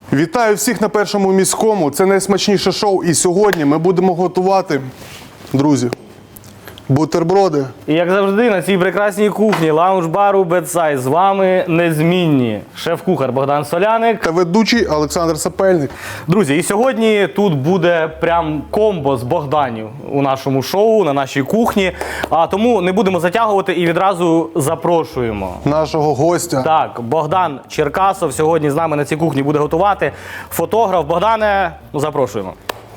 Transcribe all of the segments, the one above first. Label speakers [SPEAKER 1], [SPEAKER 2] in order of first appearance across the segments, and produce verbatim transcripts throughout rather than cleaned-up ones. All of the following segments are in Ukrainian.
[SPEAKER 1] Вітаю всіх на Першому міському. Це найсмачніше шоу. І сьогодні ми будемо готувати, друзі, бутерброди.
[SPEAKER 2] І як завжди на цій прекрасній кухні лаунж-бару Бедсайд з вами незмінні шеф-кухар Богдан Соляник
[SPEAKER 1] Та ведучий Олександр Сапельник.
[SPEAKER 2] Друзі, і сьогодні тут буде прям комбо з Богданів у нашому шоу, на нашій кухні. А тому не будемо затягувати і відразу запрошуємо
[SPEAKER 1] Нашого гостя.
[SPEAKER 2] Так, Богдан Черкасов сьогодні з нами на цій кухні буде готувати. Фотограф. Богдане, ну, запрошуємо.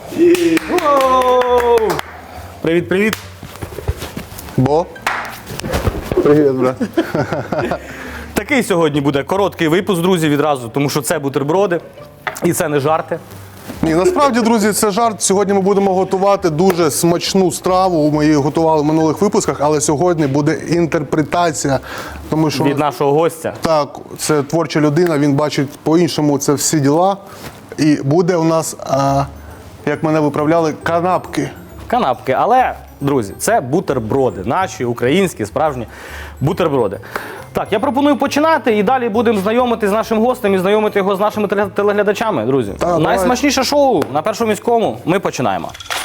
[SPEAKER 2] Привіт, привіт.
[SPEAKER 1] Бо? Привіт, брат.
[SPEAKER 2] Такий сьогодні буде короткий випуск, друзі, відразу, тому що це бутерброди і це не жарти.
[SPEAKER 1] Ні, насправді, друзі, це жарт. Сьогодні ми будемо готувати дуже смачну страву. Ми її готували в минулих випусках, але сьогодні буде інтерпретація. Тому що
[SPEAKER 2] Від нашого гостя.
[SPEAKER 1] Так, це творча людина, він бачить по-іншому це всі діла. І буде у нас, а, як мене виправляли, канапки.
[SPEAKER 2] Канапки. Але, друзі, це бутерброди. Наші, українські, справжні бутерброди. Так, я пропоную починати і далі будемо знайомити з нашим гостем і знайомити його з нашими теле- телеглядачами, друзі.
[SPEAKER 1] Так,
[SPEAKER 2] Найсмачніше шоу на Першому міському. Ми починаємо.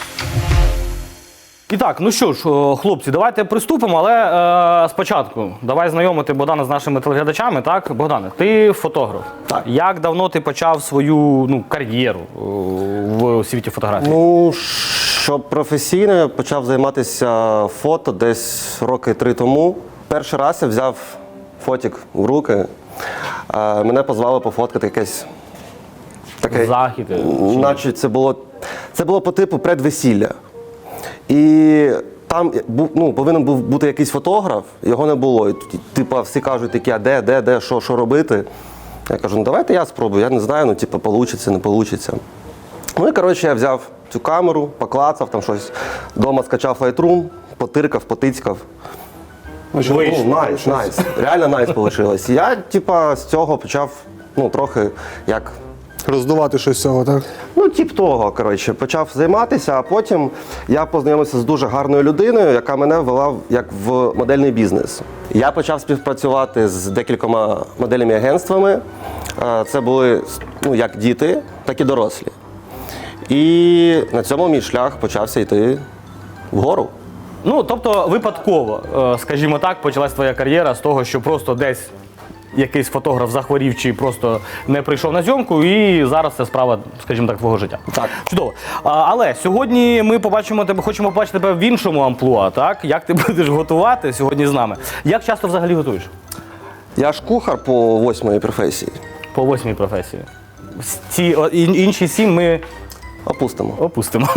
[SPEAKER 2] І так, ну що ж, о, хлопці, давайте приступимо, але е, спочатку давай знайомити Богдана з нашими телеглядачами. Так, Богдане, ти фотограф.
[SPEAKER 3] Так.
[SPEAKER 2] Як давно ти почав свою ну, кар'єру о, в світі фотографії?
[SPEAKER 3] Ну, щоб професійно я почав займатися фото десь роки три тому. Перший раз я взяв фотик в руки, а мене позвали пофоткати якесь таке,
[SPEAKER 2] Захід.
[SPEAKER 3] наче це було, це було по типу предвесілля. І там бу- ну, повинен був бути якийсь фотограф, його не було. І, типу, всі кажуть такі, а де, де, де, що, що робити? Я кажу, ну давайте я спробую, я не знаю, ну типу, получиться, не получиться. Ну і, коротше, я взяв цю камеру, поклацав, там щось, вдома скачав Lightroom, потиркав, потицькав. Ну, найс, найс. Реально найс вийшло. Я, типа, з цього почав, ну, трохи, як,
[SPEAKER 1] Роздувати щось з цього, так?
[SPEAKER 3] ну, тип того, коротше, почав займатися, а потім я познайомився з дуже гарною людиною, яка мене ввела в- як в модельний бізнес. Я почав співпрацювати з декількома модельними агентствами. Е, Це були, ну, як діти, так і дорослі. І на цьому мій шлях почався йти вгору.
[SPEAKER 2] Ну, тобто, випадково, е, скажімо так, почалась твоя кар'єра з того, що просто десь якийсь фотограф захворів чи просто не прийшов на зйомку, і зараз це справа, скажімо так, твого життя.
[SPEAKER 3] Так.
[SPEAKER 2] Чудово. А, але сьогодні ми побачимо тебе, хочемо побачити тебе в іншому амплуа, так? Як ти будеш готувати сьогодні з нами? Як часто взагалі готуєш?
[SPEAKER 3] Я ж кухар по восьмої професії.
[SPEAKER 2] По восьмій професії. Ці о, ін- інші сім ми
[SPEAKER 3] Опустимо.
[SPEAKER 2] опустимо.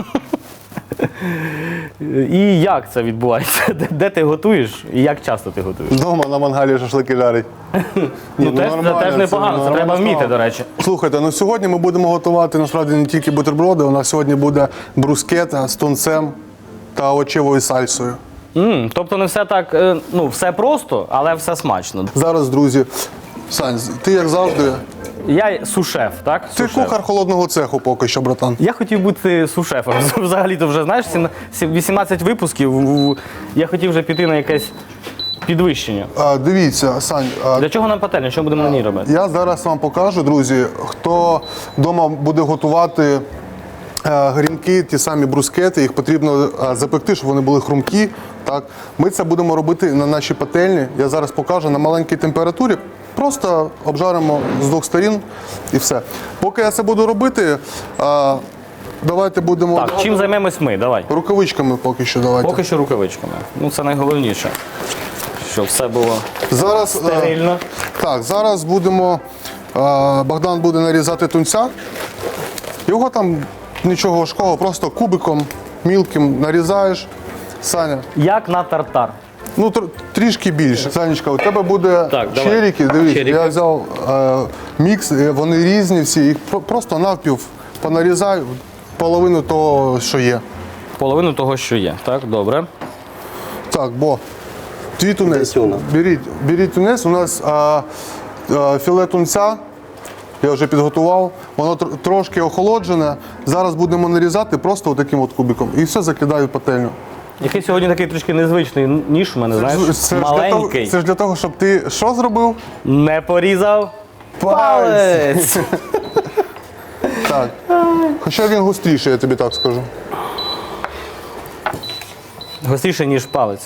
[SPEAKER 2] І як це відбувається? Де, де ти готуєш і як часто ти готуєш?
[SPEAKER 1] Вдома на мангалі шашлики жарить.
[SPEAKER 2] Ну, теж, це теж непогано, це треба вміти, до речі.
[SPEAKER 1] Слухайте, ну сьогодні ми будемо готувати насправді не тільки бутерброди, у нас сьогодні буде брускета з тунцем та овочевою сальсою.
[SPEAKER 2] М, тобто не все так, е, ну, все просто, але все смачно.
[SPEAKER 1] Зараз, друзі, Сань, ти як завжди,
[SPEAKER 2] Я сушеф, так?
[SPEAKER 1] ти
[SPEAKER 2] Сушеф.
[SPEAKER 1] кухар холодного цеху поки що, братан.
[SPEAKER 2] Я хотів бути сушефом. Взагалі-то вже, знаєш, сім- сім- вісімнадцять випусків, в- я хотів вже піти на якесь підвищення.
[SPEAKER 1] А, дивіться, Сань, а,
[SPEAKER 2] Для чого нам пательня? Що будемо на ній робити?
[SPEAKER 1] я зараз вам покажу, друзі, хто вдома буде готувати е, грінки, ті самі брускети, їх потрібно е, запекти, щоб вони були хрумкі. Так? Ми це будемо робити на нашій пательні. Я зараз покажу на маленькій температурі. Просто обжаримо з двох сторін і все. Поки я це буду робити, е, давайте будемо
[SPEAKER 2] Так, чим займемось ми? Давай.
[SPEAKER 1] рукавичками поки що. Давайте.
[SPEAKER 2] Поки що рукавичками. Ну, це найголовніше. Щоб все було
[SPEAKER 1] Зараз, е,
[SPEAKER 2] стерильно.
[SPEAKER 1] Так, зараз будемо, е, Богдан буде нарізати тунця. Його там нічого важкого, просто кубиком мілким нарізаєш. Саня,
[SPEAKER 2] Як на тартар.
[SPEAKER 1] ну тр- трішки більше. Санечка, у тебе буде
[SPEAKER 2] Так, давай.
[SPEAKER 1] черіки, дивись,
[SPEAKER 2] Черіки.
[SPEAKER 1] я взяв е, мікс, е, вони різні всі, їх про- просто навпів понарізаю, половину того, що є.
[SPEAKER 2] Половину того, що є. Так, добре.
[SPEAKER 1] Так, бо твій тунець.
[SPEAKER 3] Тюна.
[SPEAKER 1] Беріть, беріть тунець, у нас а, а, філе тунця. Я вже підготував, воно тр- трошки охолоджене. Зараз будемо нарізати просто таким от кубиком. І все закидаю в пательню.
[SPEAKER 2] Який сьогодні такий трішки незвичний ніж у мене, знаєш,
[SPEAKER 1] Це ж для того,
[SPEAKER 2] маленький.
[SPEAKER 1] це ж для того, щоб ти що зробив?
[SPEAKER 2] Не порізав палець.
[SPEAKER 1] Так. Хоча він густріший, я тобі так скажу.
[SPEAKER 2] Гостріше, ніж палець.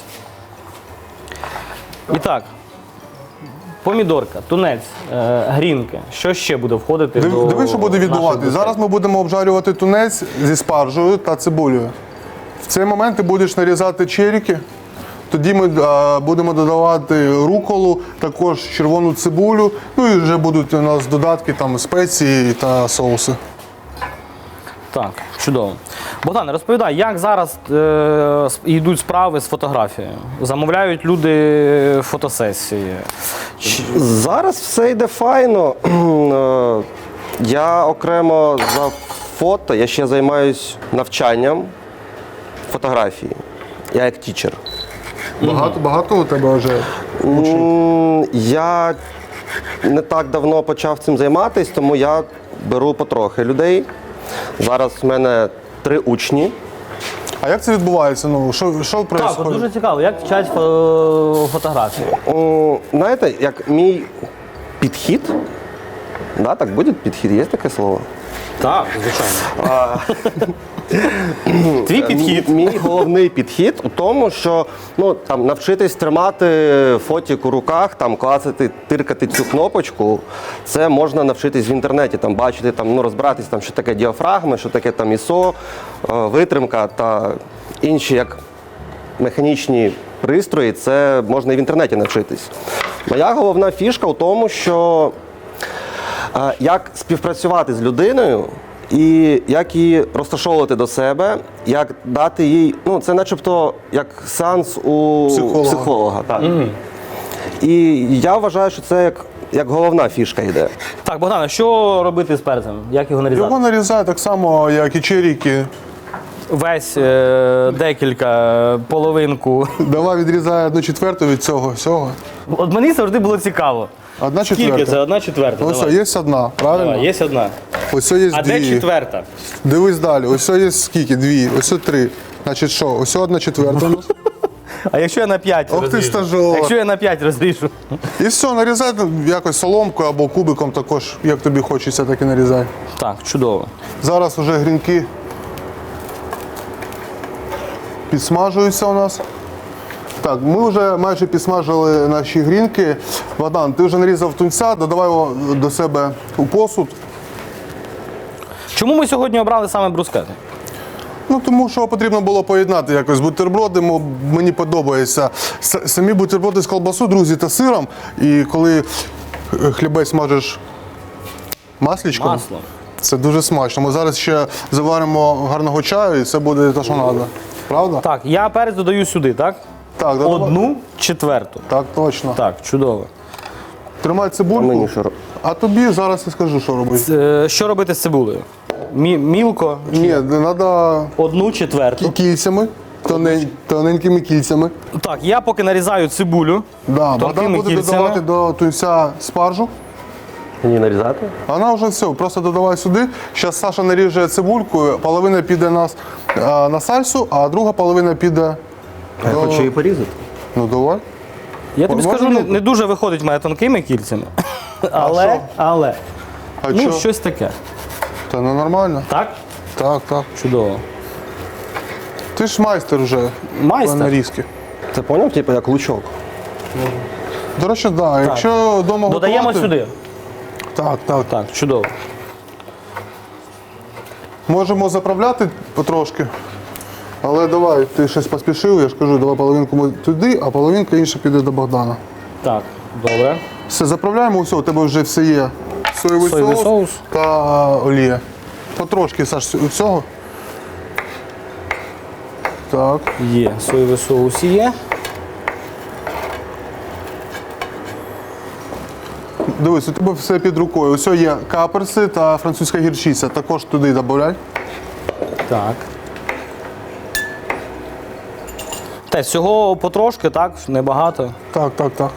[SPEAKER 2] І так, помідорка, тунець, е, грінки. Що ще буде входити до
[SPEAKER 1] Див- Диви, що буде
[SPEAKER 2] нашої
[SPEAKER 1] відбуватися.
[SPEAKER 2] брускетти?
[SPEAKER 1] Зараз ми будемо обжарювати тунець зі спаржею та цибулею. В цей момент ти будеш нарізати черіки. Тоді ми а, будемо додавати руколу, також червону цибулю. Ну і вже будуть у нас додатки, там спеції та соуси.
[SPEAKER 2] Так, чудово. Богдане, розповідай, як зараз е, с- йдуть справи з фотографією? Замовляють люди фотосесії? Чи-
[SPEAKER 3] Зараз все йде файно. Е, Я окремо за фото, я ще займаюся навчанням фотографії. Я як тічер.
[SPEAKER 1] Багато, багато у тебе вже учнів?
[SPEAKER 3] М, Я не так давно почав цим займатися, тому я беру потрохи людей. Зараз в мене три учні.
[SPEAKER 1] А як це відбувається? Ну, що, що
[SPEAKER 2] Так, от
[SPEAKER 1] відбувається?
[SPEAKER 2] дуже цікаво, як вчать фо- фотографії?
[SPEAKER 3] М, Знаєте, як мій підхід, да, так буде підхід, є таке слово?
[SPEAKER 2] Так, звичайно. Твій підхід.
[SPEAKER 3] Мій, мій головний підхід у тому, що ну, там, навчитись тримати фотік у руках, там, клацати, тиркати цю кнопочку, це можна навчитись в інтернеті, там, бачити, там, ну, розбиратись, там, що таке діафрагми, що таке там ІСО, е, витримка та інші як механічні пристрої, це можна і в інтернеті навчитись. Моя головна фішка у тому, що е, як співпрацювати з людиною і як її розташовувати до себе, як дати їй, ну це начебто як сеанс у
[SPEAKER 1] Психолога.
[SPEAKER 3] психолога так. І я вважаю, що це як, як головна фішка йде.
[SPEAKER 2] Так, Богдане, що робити з перцем? Як його нарізати?
[SPEAKER 1] Його нарізають так само, як і черіки.
[SPEAKER 2] Весь е, декілька, половинку.
[SPEAKER 1] Давай відрізай одну четверту від цього всього.
[SPEAKER 2] От мені завжди було цікаво.
[SPEAKER 1] Одна
[SPEAKER 2] Скільки
[SPEAKER 1] четверта.
[SPEAKER 2] це? Одна четверта.
[SPEAKER 1] Ось
[SPEAKER 2] Давай.
[SPEAKER 1] є одна, правильно?
[SPEAKER 2] Давай, є одна.
[SPEAKER 1] Ось є
[SPEAKER 2] А
[SPEAKER 1] дві.
[SPEAKER 2] де четверта?
[SPEAKER 1] Дивись далі. Ось є скільки? Дві. Ось три. Значить що? Ось одна четверта. у нас.
[SPEAKER 2] А якщо я на п'ять
[SPEAKER 1] Ох ти,
[SPEAKER 2] розріжу?
[SPEAKER 1] стажер.
[SPEAKER 2] Якщо я на п'ять розріжу?
[SPEAKER 1] І все, нарізай якось соломкою або кубиком також, як тобі хочеться, так і нарізай.
[SPEAKER 2] Так, чудово.
[SPEAKER 1] Зараз вже грінки підсмажуються у нас. Так, ми вже майже підсмажили наші грінки. Богдан, ти вже нарізав тунця, додавай його до себе у посуд.
[SPEAKER 2] Чому ми сьогодні обрали саме брускети?
[SPEAKER 1] Ну, тому що потрібно було поєднати якось бутерброди, мо- мені подобається. С- Самі бутерброди з колбасою, друзі, та сиром. І коли е, хлібець смажеш маслічком,
[SPEAKER 2] Маслом.
[SPEAKER 1] це дуже смачно. Ми зараз ще заваримо гарного чаю і це буде те, що треба. Правда?
[SPEAKER 2] Так, я перець додаю сюди, так?
[SPEAKER 1] Так, додавай.
[SPEAKER 2] Одну четверту.
[SPEAKER 1] Так, точно.
[SPEAKER 2] Так, чудово.
[SPEAKER 1] Тримай цибульку.
[SPEAKER 3] Мені що роб-
[SPEAKER 1] А тобі зараз я скажу, що робити.
[SPEAKER 2] Е, Що робити з цибулею? Мі- мілко,
[SPEAKER 1] Ні, треба
[SPEAKER 2] одну четверту.
[SPEAKER 1] кільцями, тонень- тоненькими кільцями.
[SPEAKER 2] Так, я поки нарізаю цибулю.
[SPEAKER 1] Да, Богдан
[SPEAKER 2] Тонкими
[SPEAKER 1] буде
[SPEAKER 2] кільцями.
[SPEAKER 1] додавати до тунця спаржу.
[SPEAKER 3] Мені нарізати?
[SPEAKER 1] Вона вже все, просто додавай сюди. Зараз Саша наріже цибульку, половина піде на, с- а, на сальсу, а друга половина піде.
[SPEAKER 3] Я
[SPEAKER 1] до-
[SPEAKER 3] хочу її порізати.
[SPEAKER 1] Ну давай.
[SPEAKER 2] Я тобі
[SPEAKER 1] Можна
[SPEAKER 2] скажу, не,
[SPEAKER 1] мілко?
[SPEAKER 2] не дуже виходить в мене тонкими кільцями. Але,
[SPEAKER 1] що?
[SPEAKER 2] але,
[SPEAKER 1] А
[SPEAKER 2] ну,
[SPEAKER 1] що?
[SPEAKER 2] щось таке.
[SPEAKER 1] Та не нормально.
[SPEAKER 2] Так?
[SPEAKER 1] Так, так.
[SPEAKER 2] Чудово.
[SPEAKER 1] Ти ж майстер вже.
[SPEAKER 2] Майстер?
[SPEAKER 1] по нарізки.
[SPEAKER 3] Це поняв, типу, як лучок.
[SPEAKER 1] До речі, так. Да. Якщо вдома
[SPEAKER 2] Додаємо
[SPEAKER 1] готувати,
[SPEAKER 2] сюди.
[SPEAKER 1] Так, так.
[SPEAKER 2] Так, чудово.
[SPEAKER 1] Можемо заправляти потрошки. Але давай, ти щось поспішив, я ж кажу, давай половинку ми туди, а половинка інша піде до Богдана.
[SPEAKER 2] Так, добре.
[SPEAKER 1] Все, заправляємо, все, у тебе вже все є. Соєвий,
[SPEAKER 2] Соєвий
[SPEAKER 1] соус,
[SPEAKER 2] соус.
[SPEAKER 1] та олія. Потрошки, Саш, всього. Так.
[SPEAKER 2] Є. Соєвий соус є.
[SPEAKER 1] Дивись, у тебе все під рукою. Ось є каперси та французька гірчиця. Також туди додай.
[SPEAKER 2] Так. Те, всього потрошки, так, небагато.
[SPEAKER 1] Так, так, так.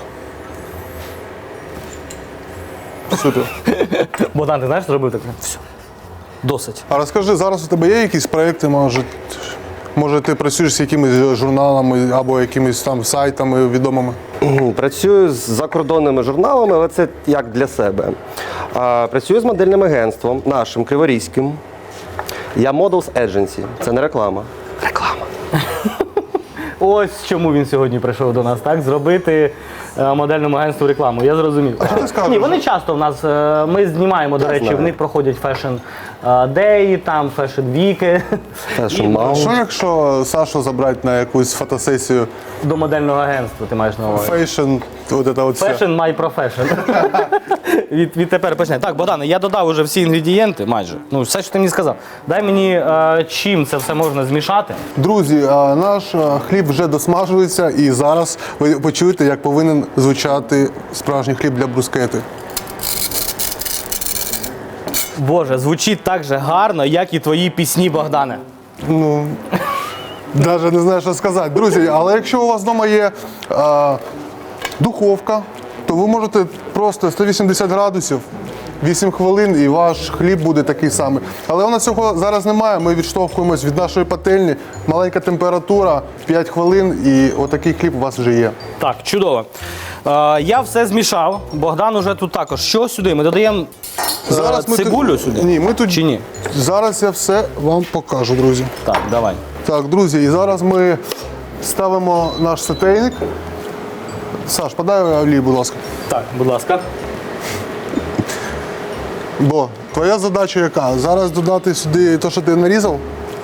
[SPEAKER 1] Супер.
[SPEAKER 2] Богдан, ти знаєш, що зробив таке? Все. Досить.
[SPEAKER 1] А розкажи, зараз у тебе є якісь проекти, може, може ти працюєш з якимись журналами або якимись там сайтами відомими?
[SPEAKER 3] Працюю з закордонними журналами, але це як для себе. А, Працюю з модельним агентством нашим криворізьким. Я Models Agency. Це не реклама. Реклама.
[SPEAKER 2] Ось чому він сьогодні прийшов до нас, так? Зробити е, модельному агентству рекламу. Я зрозумів.
[SPEAKER 1] А що ти скажеш?
[SPEAKER 2] Ні, вони часто в нас, е, ми знімаємо, до
[SPEAKER 3] Я
[SPEAKER 2] речі,
[SPEAKER 3] знаю.
[SPEAKER 2] в них проходять фешн е, деї, там фешн віки.
[SPEAKER 3] Fashion
[SPEAKER 2] І
[SPEAKER 3] Mall.
[SPEAKER 1] Що якщо Сашу забрати на якусь фотосесію
[SPEAKER 2] До модельного агентства ти маєш на увазі.
[SPEAKER 1] фейшн, от це от все.
[SPEAKER 2] Fashion my profession. від, відтепер почне. Так, Богдане, я додав уже всі інгредієнти майже. Ну, все, що ти мені сказав. Дай мені, е, чим це все можна змішати.
[SPEAKER 1] Друзі, а, наш а, хліб вже досмажується, і зараз ви почуєте, як повинен звучати справжній хліб для брускети.
[SPEAKER 2] Боже, звучить так же гарно, як і твої пісні, Богдане.
[SPEAKER 1] Ну, навіть не знаю, що сказати. Друзі, але якщо у вас вдома є а, духовка, то ви можете просто сто вісімдесят градусів, вісім хвилин, і ваш хліб буде такий самий. Але у нас цього зараз немає, ми відштовхуємось від нашої пательні. Маленька температура, п'ять хвилин, і отакий хліб у вас вже є.
[SPEAKER 2] Так, чудово. Е, я все змішав. Богдан уже тут також. Що сюди? Ми додаємо е,
[SPEAKER 1] ми
[SPEAKER 2] цибулю
[SPEAKER 1] тут-
[SPEAKER 2] сюди?
[SPEAKER 1] Ні, ми тут
[SPEAKER 2] Чи ні?
[SPEAKER 1] Зараз я все вам покажу, друзі.
[SPEAKER 2] Так, давай.
[SPEAKER 1] Так, друзі, і зараз ми ставимо наш сотейник. Саш, подай олій, будь ласка.
[SPEAKER 2] Так, будь ласка.
[SPEAKER 1] Бо твоя задача яка? Зараз додати сюди те, що ти нарізав.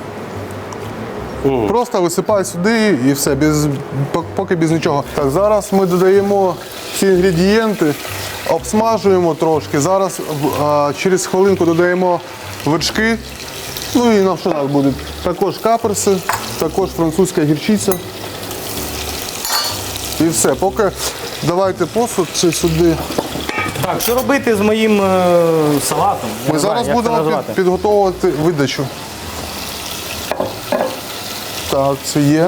[SPEAKER 1] Просто висипай сюди і все, без, поки без нічого. Так, зараз ми додаємо ці інгредієнти, обсмажуємо трошки. Зараз а, через хвилинку додаємо вершки. Ну і нам що нас буде? Також каперси, також французька гірчиця. І все. Поки давайте посуд це сюди.
[SPEAKER 2] Так, що робити з моїм е, салатом? Я
[SPEAKER 1] Ми
[SPEAKER 2] не знаю,
[SPEAKER 1] зараз
[SPEAKER 2] як це
[SPEAKER 1] будемо
[SPEAKER 2] назвати.
[SPEAKER 1] під, підготовувати видачу. Так, це є.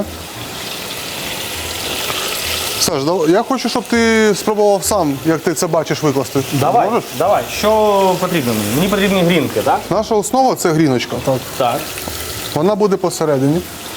[SPEAKER 1] Саш, дав- я хочу, щоб ти спробував сам, як ти це бачиш, викласти.
[SPEAKER 2] Давай,
[SPEAKER 1] Можеш?
[SPEAKER 2] давай. Що потрібно мені? Мені потрібні грінки, так?
[SPEAKER 1] Наша основа це гріночка. Так.
[SPEAKER 2] Так.
[SPEAKER 1] Вона буде посередині.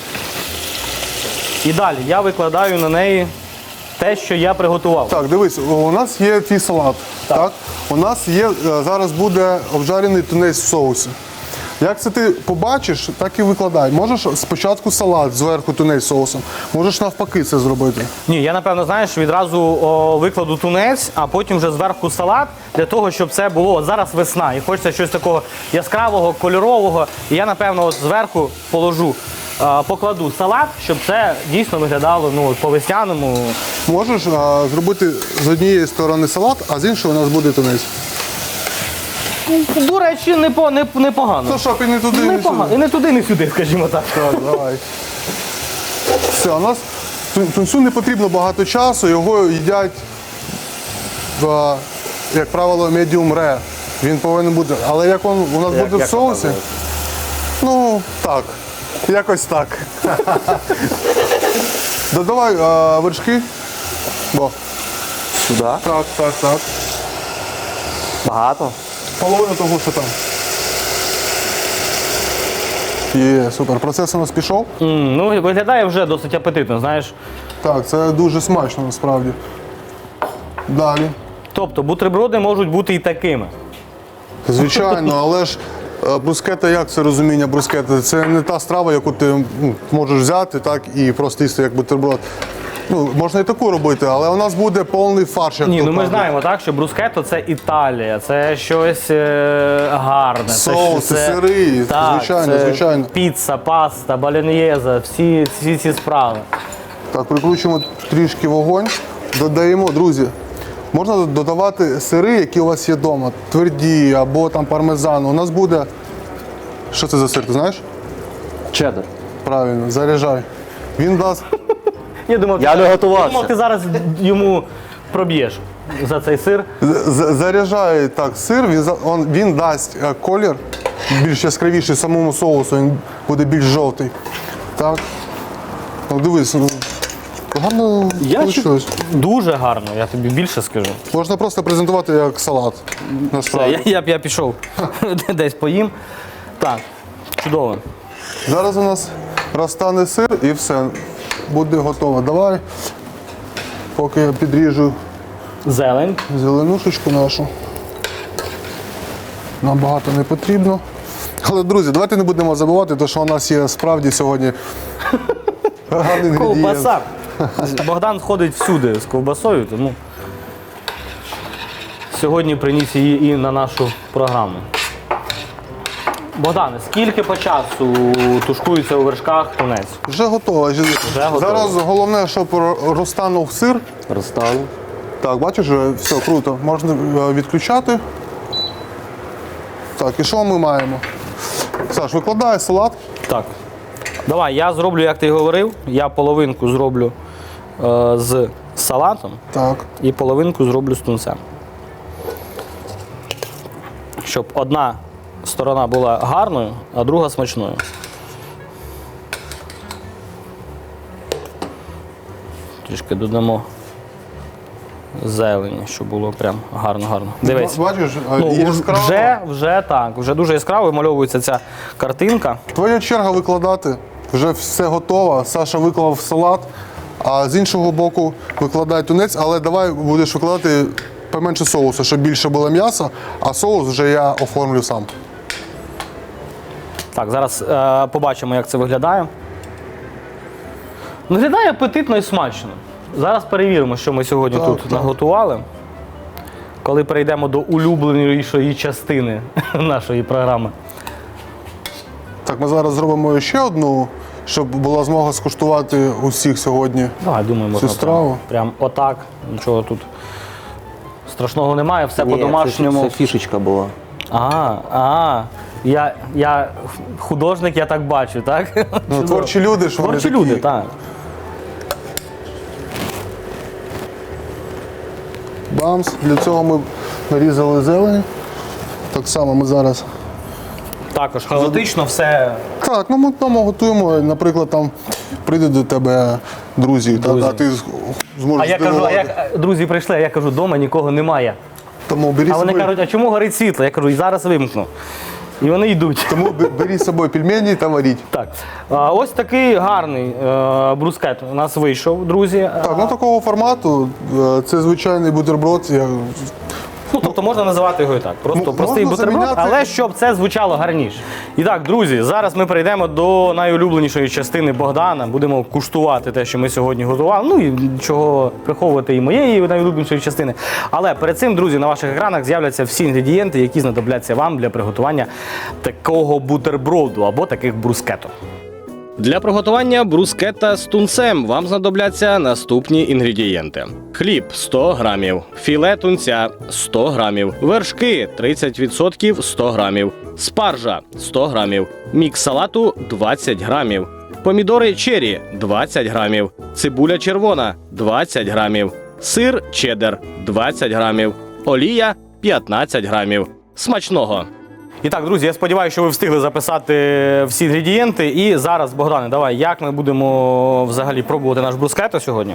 [SPEAKER 2] І далі я викладаю на неї те, що я приготував.
[SPEAKER 1] Так, дивись, у нас є твій салат. Так. У нас є, е, зараз буде обжарений тунець в соусі. Як це ти побачиш, так і викладай. Можеш спочатку салат, зверху тунець з соусом. Можеш навпаки це зробити.
[SPEAKER 2] Ні, я напевно, знаєш, відразу о, викладу тунець, а потім вже зверху салат, для того, щоб це було от зараз весна. І хочеться щось такого яскравого, кольорового. І я, напевно, от зверху положу, е, покладу салат, щоб це дійсно виглядало ну, от по-весняному.
[SPEAKER 1] Можеш а, зробити з однієї сторони салат, а з іншої у нас буде тунець.
[SPEAKER 2] До речі, непо, не, непогано.
[SPEAKER 1] Ну, щоб і не туди, не
[SPEAKER 2] Непогано.
[SPEAKER 1] сюди.
[SPEAKER 2] І не туди, не сюди, скажімо так.
[SPEAKER 1] Так, давай. Все, у нас тун- тунцю не потрібно багато часу, його їдять, в, як правило, medium rare. Він повинен бути. Але як він у нас
[SPEAKER 2] Як-
[SPEAKER 1] буде в
[SPEAKER 2] як
[SPEAKER 1] соусі,
[SPEAKER 2] показує?
[SPEAKER 1] ну так, якось так. Додавай а, вершки. Бо.
[SPEAKER 3] Сюди.
[SPEAKER 1] Так, так, так.
[SPEAKER 3] Багато.
[SPEAKER 1] Половину того, що там. Є, супер. Процес у нас пішов.
[SPEAKER 2] М, ну, виглядає вже досить апетитно, знаєш.
[SPEAKER 1] Так, це дуже смачно насправді. Далі.
[SPEAKER 2] Тобто бутерброди можуть бути і такими.
[SPEAKER 1] Звичайно, але ж е, брускета, як це розуміння брускети? Це не та страва, яку ти ну, можеш взяти так, і просто їсти як бутерброд. Ну, можна і таку робити, але у нас буде повний фарш. Як
[SPEAKER 2] Ні,
[SPEAKER 1] то
[SPEAKER 2] ну ми
[SPEAKER 1] кажуть.
[SPEAKER 2] знаємо, так, що брускетто це Італія, це щось е, гарне.
[SPEAKER 1] Соуси,
[SPEAKER 2] це,
[SPEAKER 1] сири,
[SPEAKER 2] так,
[SPEAKER 1] звичайно,
[SPEAKER 2] це
[SPEAKER 1] звичайно.
[SPEAKER 2] Піца, паста, балін'єза, всі, всі ці справи.
[SPEAKER 1] Так, прикручуємо трішки вогонь, додаємо, друзі. Можна додавати сири, які у вас є вдома, тверді або там пармезан. У нас буде. Що це за сир, ти знаєш?
[SPEAKER 3] Чеддер.
[SPEAKER 1] Правильно, заряджай. Він дасть.
[SPEAKER 2] Я думав,
[SPEAKER 3] Я
[SPEAKER 2] ти,
[SPEAKER 3] не
[SPEAKER 2] я
[SPEAKER 3] готувався.
[SPEAKER 2] думав, ти зараз йому проб'єш за цей сир.
[SPEAKER 1] З- Заряджає так сир, він, за- он, він дасть е, колір більш яскравіший самому соусу, він буде більш жовтий. Так. Ну, дивись, ну, гарно вийшло.
[SPEAKER 2] Дуже гарно, я тобі більше скажу.
[SPEAKER 1] Можна просто презентувати як салат.
[SPEAKER 2] Все,
[SPEAKER 1] Насправді.
[SPEAKER 2] я, я, я пішов десь поїм. Так, чудово.
[SPEAKER 1] Зараз у нас розтане сир і все. Буде готово. Давай Поки я підріжу
[SPEAKER 2] Зелень.
[SPEAKER 1] зеленушечку нашу. Нам багато не потрібно. Але, друзі, давайте не будемо забувати, те, що у нас є справді сьогодні гарний інгредієнт.
[SPEAKER 2] Ковбаса. Богдан ходить всюди з ковбасою, тому сьогодні приніс її і на нашу програму. Богдане, скільки по часу тушкується у вершках тунець?
[SPEAKER 1] Вже готово.
[SPEAKER 2] готово.
[SPEAKER 1] Зараз головне, щоб розтанув сир.
[SPEAKER 3] Розтану.
[SPEAKER 1] Так, бачиш, вже все круто. Можна е, відключати. Так, і що ми маємо? Саш, викладай салат.
[SPEAKER 2] Так. Давай, я зроблю, як ти говорив. Я половинку зроблю е, з салатом
[SPEAKER 1] Так.
[SPEAKER 2] і половинку зроблю з тунцем. Щоб одна сторона була гарною, а друга смачною. Трішки додамо зелені, щоб було прям гарно-гарно. Дивись.
[SPEAKER 1] Бачиш, е,
[SPEAKER 2] Ну,
[SPEAKER 1] яскраво.
[SPEAKER 2] вже, вже так, вже дуже яскраво вимальовується ця картинка.
[SPEAKER 1] Твоя черга викладати. Вже все готово. Саша виклав салат, а з іншого боку викладай тунець, але давай будеш викладати поменше соусу, щоб більше було м'яса, а соус вже я оформлю сам.
[SPEAKER 2] Так, зараз е, побачимо, як це виглядає. Виглядає апетитно і смачно. Зараз перевіримо, що ми сьогодні
[SPEAKER 1] Так,
[SPEAKER 2] тут
[SPEAKER 1] так.
[SPEAKER 2] наготували. Коли перейдемо до улюбленішої частини нашої програми.
[SPEAKER 1] Так, ми зараз зробимо ще одну, щоб була змога скуштувати усіх сьогодні.
[SPEAKER 2] Давай, думаю, можна
[SPEAKER 1] страву?
[SPEAKER 2] прям, прям отак. Нічого тут страшного немає, все
[SPEAKER 3] Ні,
[SPEAKER 2] по-домашньому.
[SPEAKER 3] Це, це фішечка була.
[SPEAKER 2] Ага, ага. Я, я художник, я так бачу, так?
[SPEAKER 1] Ну,
[SPEAKER 2] Чудово.
[SPEAKER 1] творчі люди, що вони
[SPEAKER 2] Творчі
[SPEAKER 1] такі.
[SPEAKER 2] люди, так.
[SPEAKER 1] Бамс. Для цього ми нарізали зелень. Так само ми зараз.
[SPEAKER 2] Також хаотично все.
[SPEAKER 1] Так, ну ми там готуємо, наприклад, там прийде до тебе друзі, та-
[SPEAKER 2] Друзі.
[SPEAKER 1] а ти з- зможеш
[SPEAKER 2] А я кажу, а
[SPEAKER 1] здивувати.
[SPEAKER 2] як друзі прийшли, а я кажу, вдома нікого немає.
[SPEAKER 1] Тому бери
[SPEAKER 2] А вони
[SPEAKER 1] собою,
[SPEAKER 2] кажуть, а чому горить світло? Я кажу, і зараз вимкну. І вони йдуть.
[SPEAKER 1] тому бе- бери з собою пельмені та варіть.
[SPEAKER 2] Так. А, ось такий гарний е, брускет у нас вийшов, друзі.
[SPEAKER 1] Так, ну такого формату е, це звичайний бутерброд. Я...
[SPEAKER 2] Ну, тобто можна називати його і так. Просто
[SPEAKER 1] М-
[SPEAKER 2] простий
[SPEAKER 1] можна
[SPEAKER 2] бутерброд,
[SPEAKER 1] заміняти-
[SPEAKER 2] але щоб це звучало гарніше. І так, друзі, зараз ми перейдемо до найулюбленішої частини Богдана. Будемо куштувати те, що ми сьогодні готували. Ну і чого приховувати і моєї найулюбленішої частини. Але перед цим, друзі, на ваших екранах з'являться всі інгредієнти, які знадобляться вам для приготування такого бутерброду або таких брускеток. Для приготування брускета з тунцем вам знадобляться наступні інгредієнти: хліб сто грамів, філе тунця сто грамів, вершки тридцять відсотків сто грамів, спаржа сто грамів, мікс салату двадцять грамів, помідори чері двадцять грамів, цибуля червона двадцять грамів, сир чеддер двадцять грамів, олія п'ятнадцять грамів. Смачного! І так, друзі, я сподіваюся, що ви встигли записати всі інгредієнти. І зараз, Богдане, давай, як ми будемо взагалі пробувати наш брускетто сьогодні?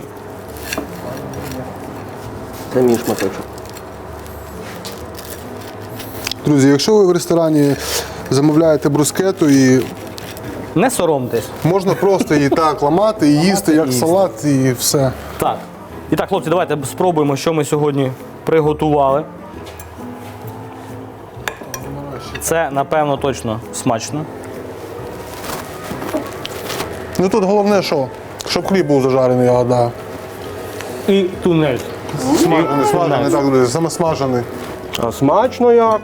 [SPEAKER 3] Це мій шматочок.
[SPEAKER 1] Друзі, якщо ви в ресторані замовляєте брускету, і
[SPEAKER 2] Не соромтесь.
[SPEAKER 1] можна просто її так ламати і їсти, як
[SPEAKER 2] їсти.
[SPEAKER 1] салат, і все.
[SPEAKER 2] Так. І так, хлопці, давайте спробуємо, що ми сьогодні приготували. Це, напевно, точно смачно.
[SPEAKER 1] Ну тут головне, що? Щоб хліб був зажарений, я гадаю.
[SPEAKER 2] І тунець.
[SPEAKER 1] Смажений, смажений, так, друзі, саме смажений.
[SPEAKER 3] А смачно як?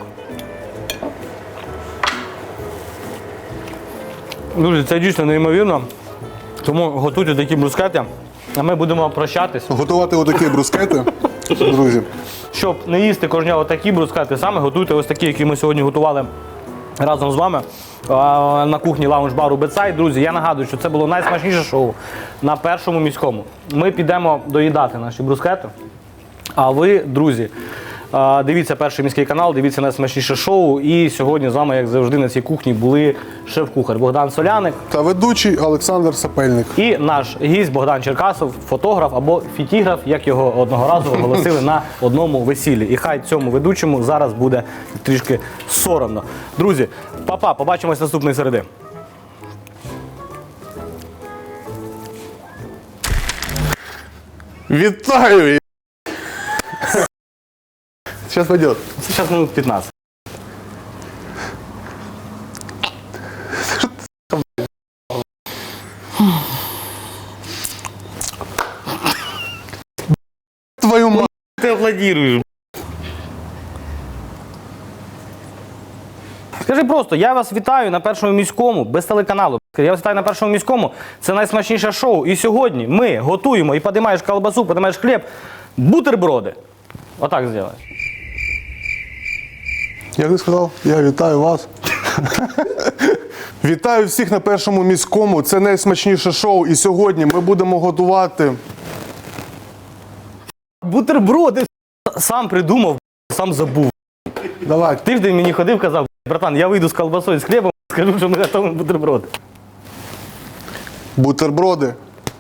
[SPEAKER 2] Друзі, це дійсно неймовірно. Тому готуйте такі брускети, а ми будемо прощатись.
[SPEAKER 1] Готувати отакі брускети, друзі.
[SPEAKER 2] Щоб не їсти кожного такі брускети, саме готуйте ось такі, які ми сьогодні готували разом з вами а, на кухні лаунж-бару Бетсайд. Друзі, я нагадую, що це було найсмачніше шоу на Першому міському. Ми підемо доїдати наші брускети. А ви, друзі, а, дивіться Перший міський канал, дивіться найсмачніше шоу. І сьогодні з вами, як завжди, на цій кухні були шеф-кухар Богдан Соляник
[SPEAKER 1] Та ведучий Олександр Сапельник.
[SPEAKER 2] і наш гість Богдан Черкасов, фотограф або фітіграф, як його одного разу оголосили на одному весіллі. І хай цьому ведучому зараз буде трішки соромно. Друзі, па-па, побачимось наступної середи.
[SPEAKER 1] Вітаю! Сейчас пойдет.
[SPEAKER 2] Сейчас минут пятнадцать.
[SPEAKER 1] Твою мать.
[SPEAKER 2] Ты аплодируешь. Скажи просто, я вас вітаю на Першому міському, без телеканалу. Я вас вітаю на Першому міському, це найсмачніше шоу. І сьогодні ми готуємо і подимаєш колбасу, подимаєш хліб, бутерброди. Отак зробиш.
[SPEAKER 1] Як ти сказав? Я вітаю вас. Вітаю всіх на Першому міському. Це найсмачніше шоу. І сьогодні ми будемо готувати.
[SPEAKER 2] Бутерброди сам придумав, сам забув.
[SPEAKER 1] Давай.
[SPEAKER 2] Тиждень мені ходив, казав, братан, я вийду з колбасою, з хлібом, скажу, що ми готуємо бутерброди.
[SPEAKER 1] Бутерброди.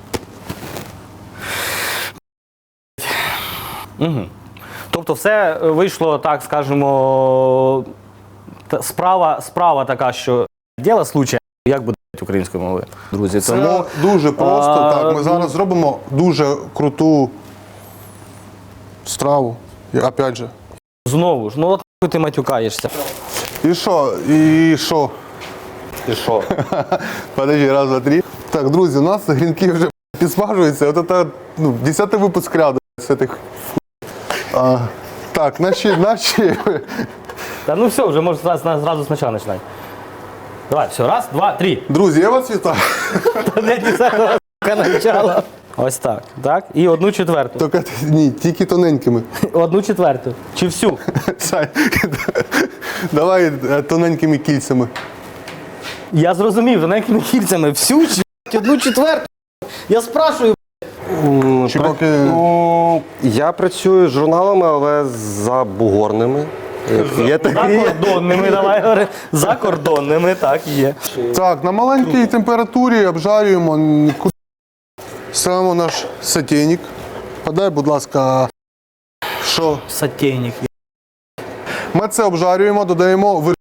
[SPEAKER 2] Угу. Тобто все вийшло, так скажемо, та- справа, справа така, що діло случая, як буде українською мовою, друзі.
[SPEAKER 1] Це
[SPEAKER 2] Тому
[SPEAKER 1] дуже просто.
[SPEAKER 2] а,
[SPEAKER 1] Так, ми зараз зробимо дуже круту страву. І, опять же.
[SPEAKER 2] знову ж, ну от нахуй ти матюкаєшся.
[SPEAKER 1] І що? І що?
[SPEAKER 2] І що?
[SPEAKER 1] Подожди, раз, два, три. Так, друзі, у нас грінки вже підсмажуються. От це, ну, десятий випуск ряду з цих. А, так, наші, наші.
[SPEAKER 2] Та ну все, вже можеш зразу, зразу спочатку починати. Давай, все, раз, два, три.
[SPEAKER 1] Друзі, я вас вітаю.
[SPEAKER 2] Не десятого начала. Ось так, так. І одну четверту.
[SPEAKER 1] Тільки, ні, тільки тоненькими.
[SPEAKER 2] Одну четверту. Чи всю?
[SPEAKER 1] Сань, давай е, тоненькими кільцями.
[SPEAKER 2] Я зрозумів, тоненькими кільцями. Всю чи одну четверту? Я спрашую.
[SPEAKER 1] Чи поки...
[SPEAKER 3] Ну, я працюю з журналами, але забугорними. Є такі.
[SPEAKER 2] Закордонними, давай говори. Закордонними, так, є.
[SPEAKER 1] Так, на маленькій температурі обжарюємо. Нікуди. Ставимо наш сотейник. Подай, будь ласка, що?
[SPEAKER 2] Сотейник.
[SPEAKER 1] Ми це обжарюємо, додаємо вир...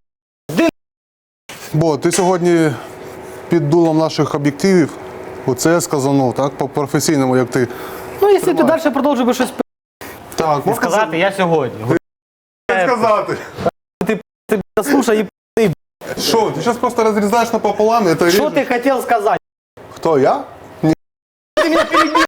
[SPEAKER 1] Бо ти сьогодні під дулом наших об'єктивів, оце я сказанув, так, по-професійному, як ти.
[SPEAKER 2] Ну, якщо ти далі продовжуєш щось
[SPEAKER 1] Так, можна
[SPEAKER 2] сказати, я сьогодні.
[SPEAKER 1] сказати.
[SPEAKER 2] Ти, ти слушай, і
[SPEAKER 1] Що, ти зараз просто розрізаєш напополам і це
[SPEAKER 2] що
[SPEAKER 1] ріжеш?
[SPEAKER 2] ти хотів сказати?
[SPEAKER 1] Хто, я?
[SPEAKER 2] Ти мене перебив.